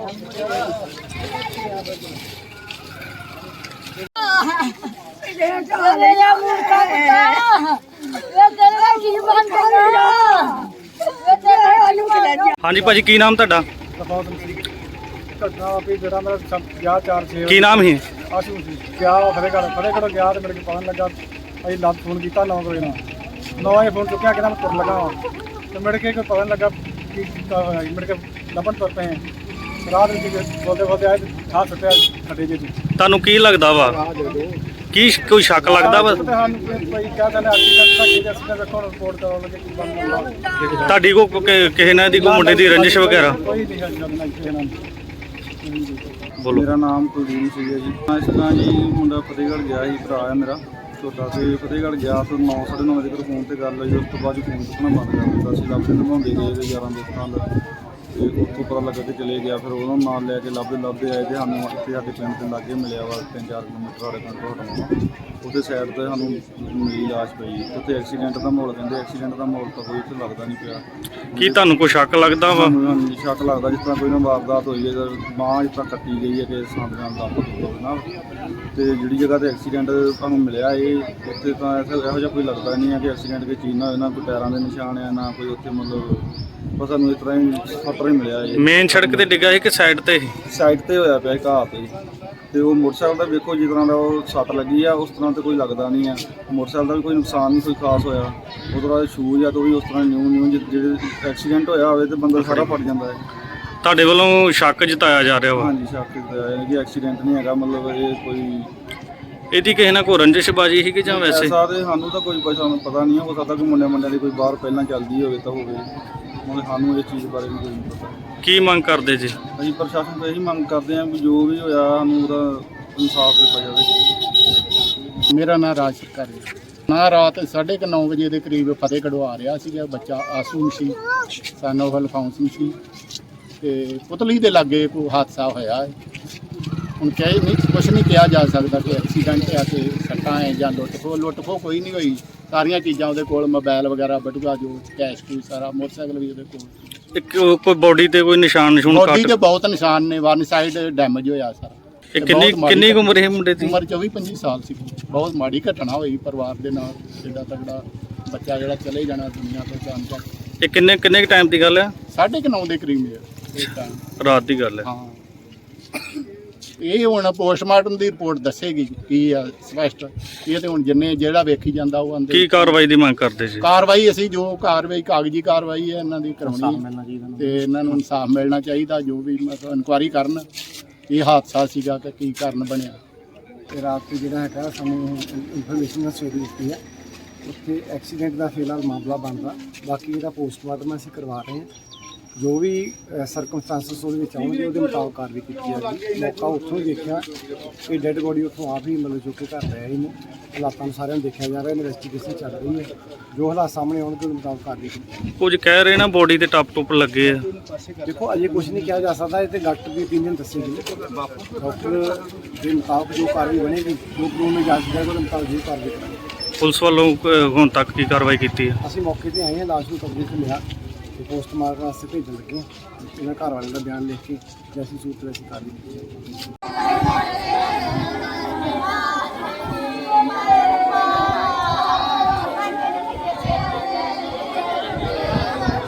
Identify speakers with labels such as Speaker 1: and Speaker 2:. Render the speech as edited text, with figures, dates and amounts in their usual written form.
Speaker 1: हाँ जी भाजी, की नाम तुहाडा?
Speaker 2: घटना भी जरा मेरा गया 4-6
Speaker 1: की नाम ही?
Speaker 2: आशू क्या फतेहगढ़ गया तो मेरे को पता नहीं लगा। अभी लग फोन किया 9 बजे ना 9 बजे फोन चुकया कि मैं तुर लगा तो मेरे को पता नहीं लगा कि मेरे को लभन तुर पे रात बोलते बोलते आए हाथ सुट्या खड्डे जी।
Speaker 1: ਤੁਹਾਨੂੰ ਕੀ ਲੱਗਦਾ ਵਾ? ਕੀ ਕੋਈ ਸ਼ੱਕ ਲੱਗਦਾ ਵਾ ਤੁਹਾਡੀ ਕੋ ਕਿਸੇ ਨਾਲ ਦੀ ਕੋਈ ਮੁੰਡੇ ਦੀ ਰੰਜਿਸ਼ ਵਗੈਰਾ? ਬੋਲੋ।
Speaker 2: ਮੇਰਾ ਨਾਮ ਕੁਲਦੀਪ ਸਿੰਘ ਹੈ ਜੀ। ਇਸ ਤਰ੍ਹਾਂ ਜੀ ਮੁੰਡਾ ਫਤਿਹਗੜ੍ਹ ਗਿਆ ਸੀ, ਭਰਾ ਹੈ ਮੇਰਾ ਛੋਟਾ, ਤੇ ਫਤਿਹਗੜ੍ਹ ਗਿਆ ਤੋਂ 9-9:30 ਵਜੇ ਫੋਨ ਤੇ ਗੱਲ ਹੋਈ। ਉਸ ਤੋਂ ਬਾਅਦ ਫੋਨ ਚੁੱਕਣਾ ਬੰਦ ਕਰ ਦਿੱਤਾ ਸੀ। ਲੱਭਦੇ ਨਿਭਾਉਂਦੇ ਗਏ ਯਾਰਾਂ ਦੋਸਤਾਂ ਦਾ, ਤੇ ਉੱਥੋਂ ਪਤਾ ਲੱਗਾ ਕਿ ਚਲੇ ਗਿਆ। ਫਿਰ ਉਹਨਾਂ ਨਾਲ ਲੈ ਕੇ ਲੱਭਦੇ ਆਏ ਤੇ ਸਾਨੂੰ ਇੱਥੇ ਸਾਡੇ ਪਿੰਡ ਦੇ ਲਾਗੇ ਮਿਲਿਆ ਵਾ, 3-4 ਕਿਲੋਮੀਟਰ ਸਾਡੇ ਪਿੰਡ ਤੋਂ ਹਟਾਉਣਾ। ਉਹਦੇ ਸਾਈਡ ਤੇ ਸਾਨੂੰ ਮਿਲੀ ਲਾਸ਼ ਪਈ। ਉੱਥੇ ਐਕਸੀਡੈਂਟ ਦਾ ਮਾਹੌਲ ਕਹਿੰਦੇ, ਐਕਸੀਡੈਂਟ ਦਾ ਮਾਹੌਲ ਤਾਂ ਕੋਈ ਇੱਥੇ ਲੱਗਦਾ ਨਹੀਂ ਪਿਆ।
Speaker 1: ਕੀ ਤੁਹਾਨੂੰ ਕੋਈ ਸ਼ੱਕ ਲੱਗਦਾ ਵਾ?
Speaker 2: ਸ਼ੱਕ ਲੱਗਦਾ ਜਿਸ ਤਰ੍ਹਾਂ ਕੋਈ ਨਾ ਵਾਰਦਾਤ ਹੋਈ ਹੈ, ਬਾਂਹ ਜਿਸ ਤਰ੍ਹਾਂ ਕੱਟੀ ਗਈ ਹੈ ਕਿ ਸੰਦ ਨਾਲ ਲੱਭ ਨਾਲ। ਤੇ ਜਿਹੜੀ ਜਗ੍ਹਾ ਤੇ ਐਕਸੀਡੈਂਟ ਤੁਹਾਨੂੰ ਮਿਲਿਆ ਉੱਥੇ ਤਾਂ ਇਹੋ ਜਿਹਾ ਕੋਈ ਲੱਗਦਾ ਨਹੀਂ ਹੈ ਕਿ ਐਕਸੀਡੈਂਟ ਕੋਈ ਚੀਜ਼ ਨਾ ਹੋਏ, ਨਾ ਕੋਈ ਟਾਇਰਾਂ ਦੇ ਨਿਸ਼ਾਨ ਆ, ਨਾ ਕੋਈ ਉੱਥੇ ਮਤਲਬ ਬਸ ਸਾਨੂੰ ਇਸ ਤਰ੍ਹਾਂ ਹੀ ਸੱਟਰ ਹੀ ਮਿਲਿਆ।
Speaker 1: ਮੇਨ ਸੜਕ ਤੇ ਡਿੱਗਾ ਸੀ ਕਿ ਸਾਈਡ ਤੇ?
Speaker 2: ਸਾਈਡ ਤੇ ਹੋਇਆ ਪਿਆ ਘਾਹ ਤੇ। ਤੇ ਉਹ ਮੋਟਰਸਾਈਕਲ ਦਾ ਵੇਖੋ ਜਿਸ ਤਰ੍ਹਾਂ ਦਾ ਉਹ ਸੱਟ ਲੱਗੀ ਆ ਉਸ ਤਰ੍ਹਾਂ ਤੇ ਕੋਈ ਲੱਗਦਾ ਨਹੀਂ ਆ। ਮੋਟਰਸਾਈਕਲ ਦਾ ਵੀ ਕੋਈ ਨੁਕਸਾਨ ਨਹੀਂ ਕੋਈ ਖਾਸ ਹੋਇਆ। ਉਹ ਤਰ੍ਹਾਂ ਦੇ ਸ਼ੂਜ਼ ਆ ਤਾਂ ਵੀ ਉਸ ਤਰ੍ਹਾਂ ਨਿਊ ਜਿਹੜੇ ਐਕਸੀਡੈਂਟ ਹੋਇਆ ਹੋਵੇ ਤੇ ਬੰਦਾ ਸਾਰਾ ਫਟ ਜਾਂਦਾ ਹੈ।
Speaker 1: ਤੁਹਾਡੇ ਵੱਲੋਂ ਸ਼ੱਕ ਜਤਾਇਆ ਜਾ ਰਿਹਾ ਵਾ?
Speaker 2: ਹਾਂਜੀ, ਸ਼ੱਕ ਜਤਾਇਆ ਹੈ ਕਿ ਐਕਸੀਡੈਂਟ ਨਹੀਂ ਹੈਗਾ, ਮਤਲਬ ਇਹ ਕੋਈ
Speaker 1: ਇਹਦੀ ਕਿਸੇ ਨਾਲ ਕੋਈ ਰੰਜਿਸ਼ਬਾਜੀ ਸੀ ਕਿ ਜਾਂ ਵੈਸੇ?
Speaker 2: ਸਾਰੇ ਸਾਨੂੰ ਤਾਂ ਕੋਈ ਸਾਨੂੰ ਪਤਾ ਨਹੀਂ ਹੋ ਸਕਦਾ ਕਿ ਮੁੰਡਿਆਂ ਦੀ ਕੋਈ ਬਾਹਰ ਪਹਿਲਾਂ ਚੱਲਦੀ ਹੋਵੇ ਤਾਂ ਹੋਵੇ। ਹੁਣ ਸਾਨੂੰ ਇਹ ਚੀਜ਼ ਬਾਰੇ ਵੀ ਕੋਈ ਨਹੀਂ ਪਤਾ।
Speaker 1: ਕੀ ਮੰਗ ਕਰਦੇ ਜੀ?
Speaker 2: ਅਸੀਂ ਪ੍ਰਸ਼ਾਸਨ ਤੋਂ ਇਹੀ ਮੰਗ ਕਰਦੇ ਹਾਂ ਕਿ ਜੋ ਵੀ ਹੋਇਆ ਸਾਨੂੰ ਉਹਦਾ ਇਨਸਾਫ ਦਿੱਤਾ ਜਾਵੇ।
Speaker 3: ਮੇਰਾ ਨਾਮ ਰਾਜ ਸਰਕਾਰ ਹੈ। ਨਾ ਰਾਤ 9:30 ਵਜੇ ਦੇ ਕਰੀਬ ਫਤਿਹਗੜ੍ਹ ਆ ਰਿਹਾ ਸੀਗਾ ਬੱਚਾ ਆਸੂ ਸੀ, ਸਾਨੂੰ ਹਲਫਾਉਂਸ ਸੀ, ਤੇ ਪੁਤਲੀ ਦੇ ਲਾਗੇ ਕੋਈ ਹਾਦਸਾ ਹੋਇਆ ਹੈ। ਹੁਣ ਕਹੇ ਨਹੀਂ ਕੁਛ ਨਹੀਂ ਕਿਹਾ ਜਾ ਸਕਦਾ ਕਿ ਐਕਸੀਡੈਂਟ ਆ ਕੇ ਸੱਟਾਂ ਹੈ ਜਾਂ ਲੁੱਟ ਖੋਹ ਕੋਈ ਨਹੀਂ ਹੋਈ। ਸਾਰੀਆਂ ਚੀਜ਼ਾਂ ਉਹਦੇ ਕੋਲ, ਮੋਬਾਈਲ ਵਗੈਰਾ, ਬਟੂਆ ਜੋ ਕੈਸ਼ ਕੋਈ ਸਾਰਾ, ਮੋਟਰਸਾਈਕਲ ਵੀ ਉਹਦੇ ਕੋਲ।
Speaker 1: ਕੋਈ ਬੋਡੀ ਤੇ ਕੋਈ ਨਿਸ਼ਾਨ
Speaker 3: ਬੋਡੀ ਤੇ ਬਹੁਤ ਨਿਸ਼ਾਨ ਨੇ, ਵਨ ਸਾਈਡ ਡੈਮੇਜ ਹੋਇਆ ਸਾਰਾ।
Speaker 1: ਕਿੰਨੀ ਉਮਰ ਹੈ ਮੁੰਡੇ ਦੀ?
Speaker 3: ਉਮਰ 24-25 ਸਾਲ ਸੀ। ਬਹੁਤ ਮਾੜੀ ਘਟਨਾ ਹੋਈ ਪਰਿਵਾਰ ਦੇ ਨਾਲ। ਜਿੱਦਾਂ ਤਗੜਾ ਬੱਚਾ ਜਿਹੜਾ ਚਲੇ ਜਾਣਾ ਦੁਨੀਆ ਤੋਂ ਅਚਾਨਕ।
Speaker 1: ਇਹ ਕਿੰਨੇ ਟਾਈਮ ਦੀ ਗੱਲ ਹੈ?
Speaker 3: 9:30 ਦੇ ਕਰੀਬ
Speaker 1: ਰਾਤ ਦੀ ਗੱਲ ਹੈ।
Speaker 3: ਹਾਂ, ਇਹ ਹੁਣ ਪੋਸਟਮਾਰਟਮ ਦੀ ਰਿਪੋਰਟ ਦੱਸੇਗੀ ਕੀ ਆ ਸਪਸ਼ਟ। ਇਹ ਤੇ ਹੁਣ ਜਿੰਨੇ ਜਿਹੜਾ ਵੇਖੀ ਜਾਂਦਾ ਉਹ ਅੰਦਰ। ਕੀ
Speaker 1: ਕਾਰਵਾਈ ਦੀ ਮੰਗ ਕਰਦੇ ਜੀ?
Speaker 3: ਕਾਰਵਾਈ ਅਸੀਂ ਜੋ ਕਾਰਵਾਈ ਕਾਗਜ਼ੀ ਕਾਰਵਾਈ ਹੈ ਇਹਨਾਂ ਦੀ ਕਰਾਉਣੀ ਤੇ ਇਹਨਾਂ ਨੂੰ ਇਨਸਾਫ ਮਿਲਣਾ ਚਾਹੀਦਾ। ਜੋ ਵੀ ਮਤਲਬ ਇਨਕੁਆਇਰੀ ਕਰਨ ਇਹ ਹਾਦਸਾ ਸੀਗਾ ਕਿ ਕੀ ਕਾਰਨ ਬਣਿਆ।
Speaker 2: ਤੇ ਰਾਤ ਜਿਹੜਾ ਹੈਗਾ ਸਾਨੂੰ ਇਨਫੋਰਮੇਸ਼ਨ ਸਵੇਰੇ ਦਿੱਤੀ ਹੈ, ਉੱਥੇ ਐਕਸੀਡੈਂਟ ਦਾ ਫਿਲਹਾਲ ਮਾਮਲਾ ਬਣਦਾ। ਬਾਕੀ ਇਹਦਾ ਪੋਸਟਮਾਰਟਮ ਅਸੀਂ ਕਰਵਾ ਰਹੇ ਹਾਂ। ਜੋ ਵੀ ਸਰਕਮਸਟੈਂਸਸ ਉਹਦੇ ਵਿੱਚ ਆਉਣਗੇ ਉਹਦੇ ਮੁਤਾਬਕ ਕਾਰਵਾਈ ਕੀਤੀ ਜਾਵੇਗੀ। ਮੌਕਾ ਉੱਥੋਂ ਹੀ ਦੇਖਿਆ ਕਿ ਡੈੱਡ ਬੋਡੀ ਉੱਥੋਂ ਆਪ ਹੀ ਮਤਲਬ ਚੁੱਕ ਕੇ ਘਰ ਲੈ ਆਏ ਨੇ। ਹਾਲਾਤਾਂ ਨੂੰ ਸਾਰਿਆਂ ਨੂੰ ਦੇਖਿਆ ਜਾ ਰਿਹਾ, ਇਨਵੈਸਟੀਗੇਸ਼ਨ ਚੱਲ ਰਹੀ ਹੈ। ਜੋ ਹਾਲਾਤ ਸਾਹਮਣੇ ਆਉਣਗੇ ਉਹਦੇ ਮੁਤਾਬਕ ਕਾਰਵਾਈ ਕੀਤੀ ਜਾਵੇਗੀ।
Speaker 1: ਕੁਝ ਕਹਿ ਰਹੇ ਨਾ ਬੋਡੀ ਤੇ ਟੱਪ ਲੱਗੇ ਆ।
Speaker 2: ਦੇਖੋ ਅਜੇ ਕੁਝ ਨਹੀਂ ਕਿਹਾ ਜਾ ਸਕਦਾ, ਇਹ ਤੇ ਡਾਕਟਰ ਦੀ opinion ਦੱਸੇਗੀ। ਡਾਕਟਰ ਦੇ ਮੁਤਾਬਕ ਜੋ ਕਾਰਵਾਈ ਬਣੇਗੀ, ਜੋ ਕਾਨੂੰਨ ਨੂੰ ਇਜਾਜ਼ਤ ਦੇਗਾ ਉਹਦੇ ਮੁਤਾਬਕ ਜੋ ਕਾਰਵਾਈ ਕਰਾਂਗੇ।
Speaker 1: ਪੁਲਿਸ ਵੱਲੋਂ ਹੁਣ ਤੱਕ ਕੀ ਕਾਰਵਾਈ ਕੀਤੀ ਹੈ?
Speaker 2: ਅਸੀਂ ਮੌਕੇ ਤੇ ਆਏ ਹਾਂ, ਲਾਸ਼ ਨੂੰ ਕਬਜ਼ੇ 'ਚ ਲਿਆ ਤੇ ਪੋਸਟਮਾਰਟਮ ਵਾਸਤੇ ਭੇਜਣ ਲੱਗੇ। ਇਹਨਾਂ ਘਰ ਵਾਲਿਆਂ ਦਾ ਬਿਆਨ ਲਿਖ ਕੇ ਜੈਸੀ ਸੂਰਤ ਵਿੱਚ ਕਾਰਵਾਈ ਕੀਤੀ ਜਾਵੇਗੀ।